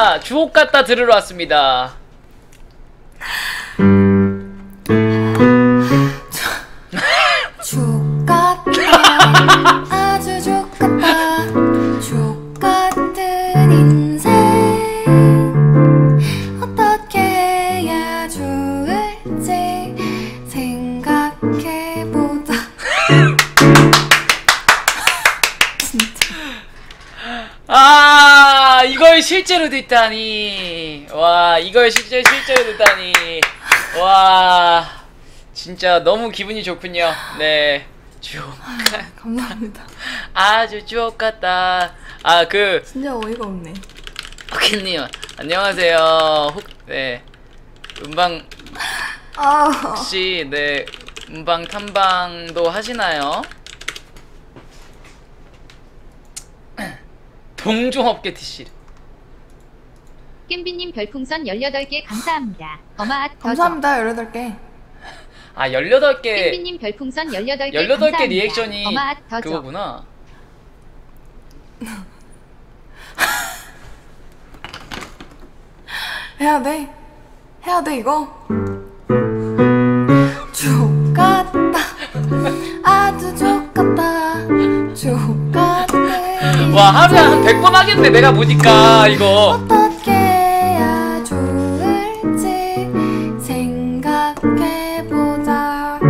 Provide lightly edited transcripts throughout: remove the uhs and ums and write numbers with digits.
저희가 주옥 같다 들으러 왔습니다. 주옥 같다. 아주 주옥 같다. 주옥 같은 인생 어떻게 해야 좋을지 생각해보자. 아, 이걸 실제로 듣다니. 와, 이걸 실제로 듣다니. 와, 진짜 너무 기분이 좋군요. 네, 주옥. 감사합니다. 아주 주옥 같다. 아, 진짜 어이가 없네. 호키님 안녕하세요. 네, 음방 혹시 네 음방 탐방도 하시나요? 동종업계 TC. 겜비님 별풍선 18개 감사합니다. 어마앗 감사합니다. 18개. 아, 18개. 겜비님 별풍선 18개 18개 감사합니다. 리액션이 어마앗 더죠. 그거구나. 해야 돼 이거. 주옥 같다. 아주 주옥 같다. 주옥 같은 와, 하루에 한 100번 하겠네 내가 보니까 이거. 어떻게 해야 좋을지 생각해보자.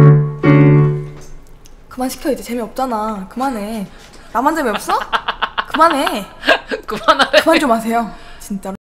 그만 시켜. 이제 재미없잖아. 그만해. 나만 재미없어? 그만해. 그만하래. 그만 좀 하세요 진짜로.